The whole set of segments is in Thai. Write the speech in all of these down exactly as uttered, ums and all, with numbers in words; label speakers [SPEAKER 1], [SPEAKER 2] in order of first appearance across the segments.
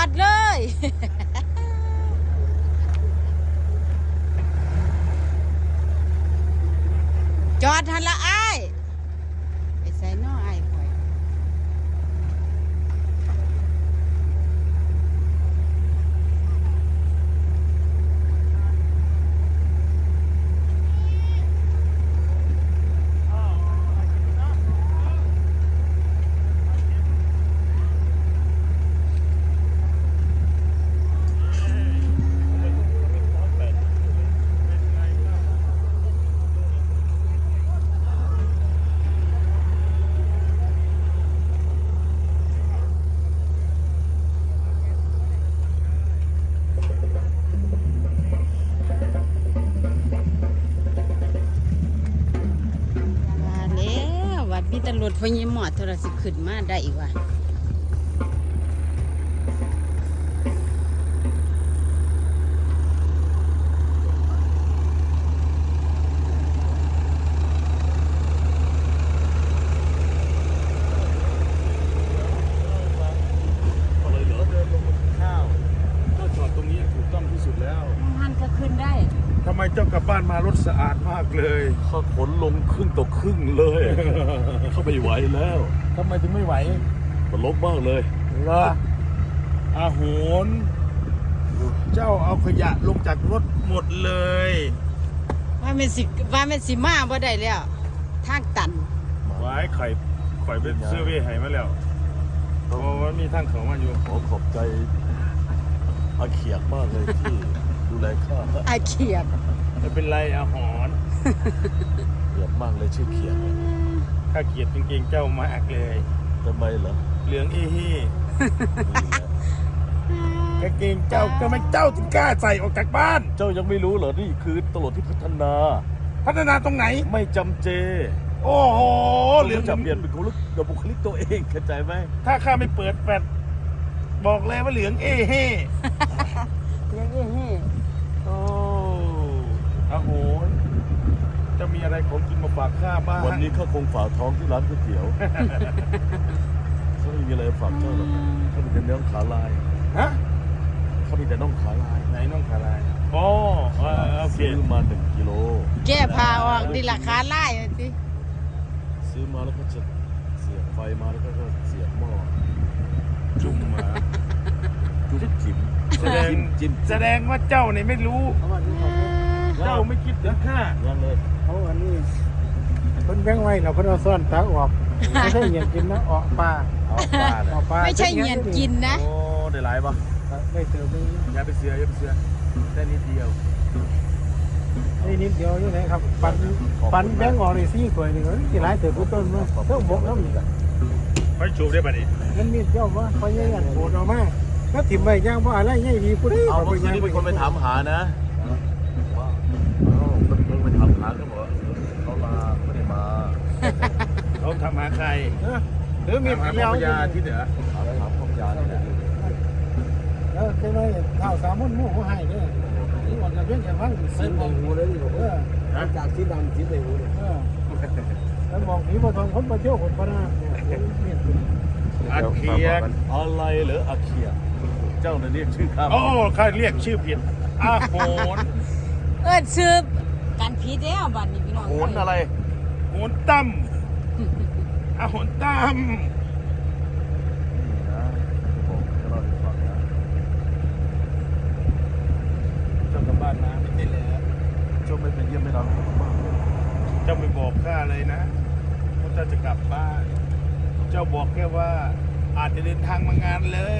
[SPEAKER 1] ดเลยจอดทันละอ้ายไปใส่น้ออ้ายข่อยมีตำรวจพญหมอดโทรศัพท์ขึ้นมาได้อีกว่า
[SPEAKER 2] อะไรเหรอเดินลงมาข้าวก็จอดตรงนี้ถูกต้องที่สุดแล้ว
[SPEAKER 1] มันก็ขึ้นได้
[SPEAKER 2] ทำไมเจ้ากลับบ้านมารถสะอาดมากเลยข้าขนลงครึ่งต่อครึ่งเลย เข้าไม่ไหวแล้วทำไมถึงไม่ไหวมันลบมากเลยเหรออาโหนเจ้าเอาขยะลงจากรถหมดเลย
[SPEAKER 1] ว่าเป็นสิว่าเป็นสิมาบ่ได้แล้วทางตัน
[SPEAKER 2] ไว้ไข่ไข่เป็นเสื้อเว่ให้มาแล้วเพราะว่ามีทางเขามาอยู่ขอขอบใจอาเขียกมากเลยที่ดูแลข้า
[SPEAKER 1] อาเขียด
[SPEAKER 2] ไม่เป็นไรอาหอนเขียดมากเลยชื่อเขียดข้าเขียดจริงๆเจ้ามากเลยทำไมเหรอเหลืองอีฮีกางเกงเจ้าก็ไม่เจ้าถึงกล้าใส่ออกจากบ้านเจ้ายังไม่รู้เหรอนี่คือตำรวจที่พัฒนาพัฒนาตรงไหนไม่จำเจโอ้โหเหลืองจะเปลี่ยนเป็นบุคลิกกับบุคลิกตัวเองเข้าใจไหมถ้าข้าไม่เปิดแฟลชบอกเลยว่าเหลืองเอเฮ่
[SPEAKER 1] เหลืองเอเฮ่
[SPEAKER 2] โอ้อาโหนจะมีอะไรของกินมาฝากข้าบ้างวันนี้ข้าคงฝากท้องที่ร้านก๋วยเตี๋ยวเขาไม่มีอะไรฝากเจ้าหรอกเขามีแต่น้องขาลายฮะเขามีแต่น้องขาลายไหนน้องขาลายอ๋อซื้อมาหนึ่งกิโล
[SPEAKER 1] แก้พาออกดีราคาไล่สิ
[SPEAKER 2] ซื้อมาแล้วก็จะเสียบไฟมาแล้วก็เสียบหม้อจุ่มมาจุ่มจิ้มแสดงจิ้มแสดงว่าเจ้าเนี่ยไม่รู้เจ้าไม่คิดถึงข้ายังเลย
[SPEAKER 3] เขาอันนี้เพิ่นแบงไว้เราเพิ่นเอาซ่อนตาออกไม่ใช่เหยียนกินนะออกปลา
[SPEAKER 2] ออกปลา
[SPEAKER 1] ออกปลาไม่ใช่เหยียนกินนะ
[SPEAKER 2] โอ้ได้หลายป่ะ
[SPEAKER 3] ได้เติมไป
[SPEAKER 2] อย่าไปเสืออย่าไปเสือได้นิดเดียว
[SPEAKER 3] นี่นิดเดียวนี่นะครับปันปันแบงออกในซี่กล้วยนี่ก็ที่หลายเติมต้นมาเท่าบกน้ำอีกอ่ะ
[SPEAKER 2] ไปจูบได้ป่ะนี่
[SPEAKER 3] นั่นมีเจ้าว่าพอยังโหดออกมาแล้วถิ่มไปย่างว่าอะไรง่ายดีพูด
[SPEAKER 2] เอาเมื่อกี้นี่เป็นคนไปถามหานะว้าวเพิ่งไปถามหาเขาบอกเขาลาไม่ได้มาเขาทำหาใคร
[SPEAKER 3] หรือมี
[SPEAKER 2] ถามหาพยาที่เหนือถามพยาที่เหนือ
[SPEAKER 3] แล้วใช่ไหมข้าวสามมุ่นมุ่งเขาให้เนี่ยนี่วันละเพียงแค่พัน
[SPEAKER 4] สีในหูเลยนี่ผมจากสีดำสีในหูเนี่ย
[SPEAKER 3] แล้วมองผีมาทองคนมาเที่ยวคนพนา
[SPEAKER 2] อาเคียอะไรเหรออาเคียเจ้าเนี่ยเรียกชื่อข้าโอ้ข้าเรียกชื่อผิดอาโหน
[SPEAKER 1] เออชื่อการผิดแล้วบัดนี้พี่น้อง
[SPEAKER 2] โหนอะไรโหนตั้มอาโหนตั้มเจ้ากลับบ้านนะไม่ได้แล้วเจ้าไม่ไปเยี่ยมไม่รับมากเจ้าไม่บอกข้าเลยนะว่าเจ้าจะกลับบ้านเจ้าบอกแค่ว่าอาจจะเดินทางมางานเลย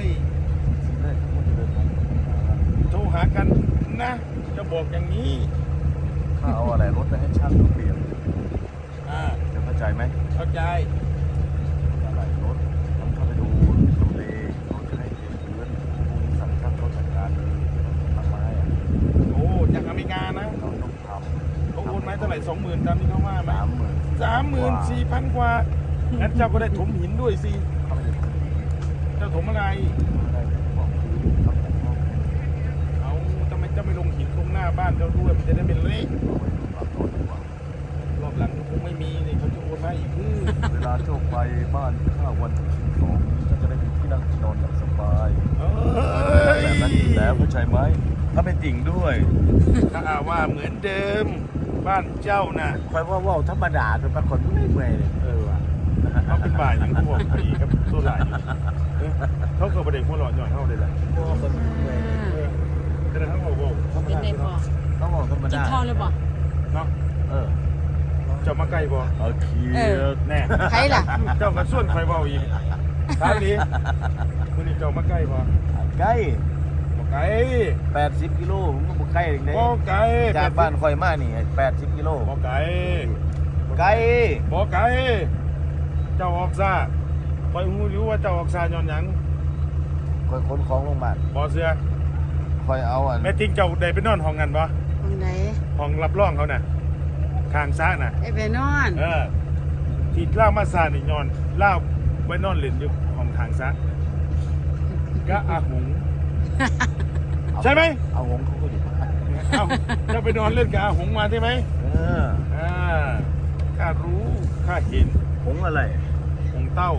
[SPEAKER 2] โทรหากันนะจะบอกอย่างนี้ข้าเอาอะไรรถไปให้ช่างเปลี่ยนอ่าจะเข้าใจไหมเข้าใจอะไรรถต้องเข้าไปดูทำเลเขาจะให้เปลี่ยนพื้นสั่งช่างเขาจัดการเลยทำไม้โอ้จากอเมริกานะเราต้องทำเขาโอนไม้เท่าไหร่สองหมื่นตามที่เขาว่าสามหมื่นสามหมื่นสี่พันกว่างั้นเจ้าก็ได้ถมหินด้วยสิเจ้าถมอะไรเอาทำไมเจ้าไม่ลงหินตรงหน้าบ้านเจ้าด้วยมันจะได้เป็นเลขรอบหลังคงไม่มีนี่เขาจะโอนมาอีกเวลาเจ้าไปบ้านข้าวันที่สิบสองก็จะได้ไปเที่ยวนั่งนอนอย่างสบาย
[SPEAKER 5] เอ้
[SPEAKER 2] แบบ
[SPEAKER 5] ย
[SPEAKER 2] นั้นอยู่แล้วเข้าใจไหมถ้าเป็นติ่งด้วย
[SPEAKER 5] ถ้าอาว่าเหมือนเดิม บ้านเจ้าน่ะ
[SPEAKER 2] คอยว่าว่าธรรมดาจนบางคนไม่เมื่อยเลย
[SPEAKER 5] เออว่ะเขาเป็นบ่ายอย่างเขาบอกดีกับตัวหลายอยู่เออเขาเกิดประเด็นหัวหลอดหย่อนเขาเลยแหละ
[SPEAKER 2] ว่าคนเมื่อย
[SPEAKER 5] เออแต่เขาบอกว่าธรรม
[SPEAKER 1] เป็น
[SPEAKER 5] ดา
[SPEAKER 1] ได้พอ
[SPEAKER 2] ต้องบอกธรรม
[SPEAKER 1] กิน
[SPEAKER 2] ดา
[SPEAKER 1] ข้าวเลยบ่
[SPEAKER 5] เนาะ
[SPEAKER 2] เออ
[SPEAKER 5] เจ้ามาใกล้บ่
[SPEAKER 2] โอเค
[SPEAKER 1] เออ
[SPEAKER 5] แน่
[SPEAKER 1] ใครล่ะ
[SPEAKER 5] เจ้าก็ส่วนใครเบาอีกท้ายนี้คุณนี่เจ้ามาใกล้บ่
[SPEAKER 2] ใกล้
[SPEAKER 5] บ่ไกล
[SPEAKER 2] แปดสิบกิโลผมก็บอกใกล้เองเลย
[SPEAKER 5] บ่ไกล
[SPEAKER 2] จากบ้านคอยมานี่แปดสิบกิโล
[SPEAKER 5] บ่ไกล
[SPEAKER 2] ไกล
[SPEAKER 5] บ่ไกลเจ้าออกซาคอยหูรู้ว่าเจ้าออกซาย้อนหยัง
[SPEAKER 2] คอยขนของลงมา
[SPEAKER 5] บ่เสือ
[SPEAKER 2] คอยเอาอัน
[SPEAKER 5] แม่ทิ้งเจ้าได้ไปนอนห้องกันบ่
[SPEAKER 1] ตรงไหน
[SPEAKER 5] ห้องรับรองเขาน่ะข้างซ้ายน่ะ
[SPEAKER 1] ได้ไปนอน
[SPEAKER 5] เออที่เล่ามาซานี่ย้อนเล่าไว้นอนเล่นอยู่ห้องทางซ้ายก็อาหง ใช่ไหม
[SPEAKER 2] เอาหงเขาก็อยู่บ้าน
[SPEAKER 5] เอ้าเจะไปนอนเล่นกับอาหงมาใช่ไหม
[SPEAKER 2] เออ
[SPEAKER 5] อ่าข้ารู้ข้าเห็น
[SPEAKER 2] หงอะไร
[SPEAKER 5] หงเต้า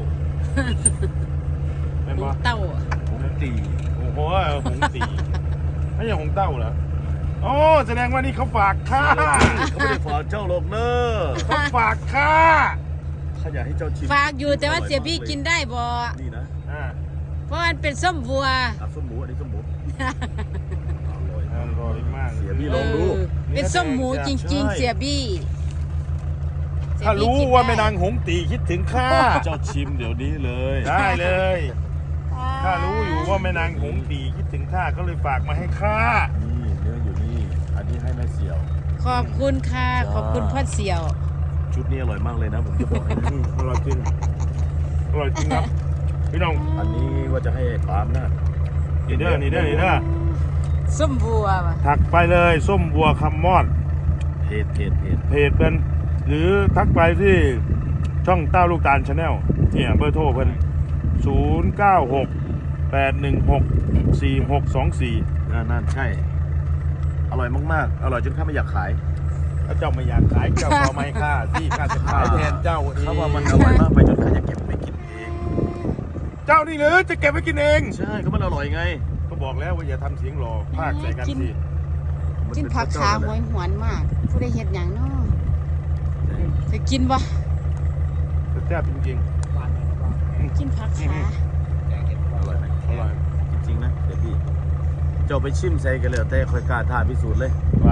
[SPEAKER 5] เป็น
[SPEAKER 1] หมู
[SPEAKER 5] ปะ
[SPEAKER 1] เต้า
[SPEAKER 2] หงตี
[SPEAKER 5] โอ้โหหงตีไม่ใช่หงเต้าเหรอโอ้แสดงว่านี่เขาฝากค่า
[SPEAKER 2] เขาไม่ได้ฝากเจ้าหรอกเนอะ
[SPEAKER 5] เขาฝากค่า
[SPEAKER 2] เขาอยากให้เจ้าชิม
[SPEAKER 1] ฝากอยู่แต่ว่าเสียบี้กินได้บ่
[SPEAKER 2] นี่นะ
[SPEAKER 5] อ่า
[SPEAKER 1] เพราะมันเป็นส้มวัว
[SPEAKER 2] อ่ะส้มหมูอันนี้ส้มหมูอร่อย
[SPEAKER 5] อร่อยมาก
[SPEAKER 2] เสียพี่
[SPEAKER 1] เอ
[SPEAKER 2] ลองดู
[SPEAKER 1] อเป็นส้มหมูจริง ๆ เสียบี้เสีย
[SPEAKER 5] ถ้า
[SPEAKER 1] บี้
[SPEAKER 5] รู้
[SPEAKER 1] กิน
[SPEAKER 5] ว่า
[SPEAKER 1] ได้
[SPEAKER 5] แม่นางหงตีคิดถึงข้า
[SPEAKER 2] เจ้าชิมเดี๋ยวนี้เลย
[SPEAKER 5] ได้เลยข้ารู้อยู่ว่าแม่นางหงตีคิดถึงข้าก็เลยฝากมาให้ข้า
[SPEAKER 2] นี่เนื้ออยู่นี่ อันนี้ให้แม่เสี่ยว
[SPEAKER 1] ขอบคุณค่ะ ขอบคุณพ่อเสี่ยว
[SPEAKER 2] ชุดนี้อร่อยมากเลยนะผมจะบอกให้
[SPEAKER 5] อืมอร่อยจริงอร่อยจริงครับพี่น้อง
[SPEAKER 2] อันนี้ว่าจะให้ปามนะ
[SPEAKER 5] นี่เด้อนี่เด้อนี่เด้อ
[SPEAKER 1] ส้มวัวว่ะ
[SPEAKER 5] ถักไปเลยส้มบัวคำมอด
[SPEAKER 2] เผ็ดเผ็ดเผ็ด
[SPEAKER 5] เพจเป็นหรือทักไปที่ช่องเต้าลูกตาลชาแนลเนี่ยเบอร์โทรเพิ่นศูนย์เก้าหกแปดหนึ่งหกสี่หกสองสี่
[SPEAKER 2] อ่านั่นใช่ อร่อยมากๆ อร่อยจนข้าไม่อยากขาย
[SPEAKER 5] ถ้าเจ้าไม่อยากขายเจ้าก็ไม่ค่าที่ข้าจะขายแทนเจ้าเอง
[SPEAKER 2] เขาว่ามันอร่อยมากไปจนข้าจะเก็บไปกินเอง
[SPEAKER 5] เจ้านี่หรือจะเก็บไว้กินเอง
[SPEAKER 2] ใช่ก็มันอร่อยไง
[SPEAKER 5] ก็บอกแล้วว่าอย่าทำเสียงหล่อพากใส่กันสิ
[SPEAKER 1] กินผักขาหวยหวนมาก ผู้ได้เห็ดอย่างเนาะจะกินบ่
[SPEAKER 5] แต่แซ่บจริง
[SPEAKER 1] กินผักขา
[SPEAKER 2] อร่อยไหม
[SPEAKER 5] ๆอร่อย
[SPEAKER 2] จริงๆนะเดี๋ยวพี่เจ้าไปชิมใส่กันเลยแต่คอยกล้าท้าพิสูจน์เลย
[SPEAKER 5] ว่า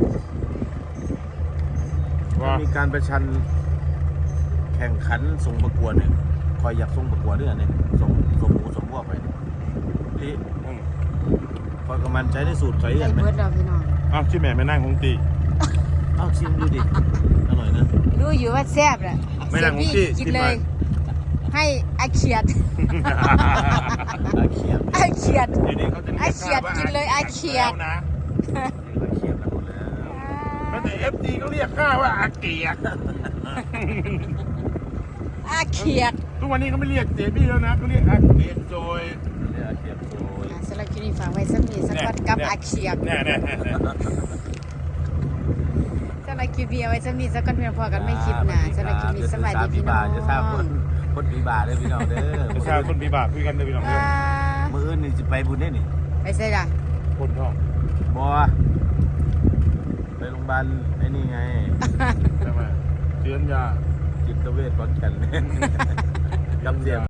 [SPEAKER 2] ถ้า
[SPEAKER 5] ว่า
[SPEAKER 2] มีการประชันแข่งขันส่งประกวดเนี่ยคอยอยากส่งประกวดด้วยเนี่ยส่งส่งหมูส่งพวกไปเนี่ยพี่
[SPEAKER 5] อืม
[SPEAKER 2] คอยกำมันใจในสูตรคอย
[SPEAKER 1] ได้
[SPEAKER 2] กันไหม
[SPEAKER 1] เบิดเราพี่น้อง
[SPEAKER 5] อ้าวชื่อแม่แม่นั่งหงตี
[SPEAKER 2] เอ้าชิมดูดิอร่อยนะ
[SPEAKER 1] รู้อยู่ว่าแซ่บแหละ
[SPEAKER 5] ไม่นั่งหงตี
[SPEAKER 1] กิน
[SPEAKER 5] กิน
[SPEAKER 1] เล
[SPEAKER 5] ไป
[SPEAKER 1] ย ให้อาเขียด
[SPEAKER 2] อาเขียบ
[SPEAKER 1] อาเขียด
[SPEAKER 5] เดี๋ยวนี้เขาจะ
[SPEAKER 1] ไอ้เขียดกินเลยไอ้เขียด
[SPEAKER 5] แล้วนะ
[SPEAKER 2] อาเขียบนะคุณแล้ว
[SPEAKER 5] แล้วแต่เอฟซีเขาเรียกข้าว่าอาเกียก
[SPEAKER 1] อาเขียด
[SPEAKER 5] ทุกวันนี้เขาไม่เรียกเจบี้แล้วนะเขาเรียกอาเกียกโจย
[SPEAKER 2] เรียกอาเขียบโดย
[SPEAKER 1] อ่าสำหรับคลิปนี้ฝากไว้สักนิดสักวันกับอาเขียด
[SPEAKER 5] แน่แน่แน่แน่
[SPEAKER 1] สำหรับคลิปนี้เอาไว้สักนิดสักวันเพียงพอกันไม่คลิปหนะสำหรับคลิปนี้สวัสดีพี่น้อง
[SPEAKER 2] จะทราบคนคนปีบาได้พี่น้องเด้อ
[SPEAKER 5] ประชาชนปีบากคุยกันเลยพี่น้อง
[SPEAKER 1] อ่า
[SPEAKER 2] มืออื่นนี่จะไปบุญได้นี่
[SPEAKER 1] ไปใส่ละ
[SPEAKER 5] คนท้อง
[SPEAKER 2] บอไปโรงพยาบาลไอ้นี่ไง
[SPEAKER 5] ใช่ไหมเชื้อยา
[SPEAKER 2] จิตเวชขอนแก่นกับเสียง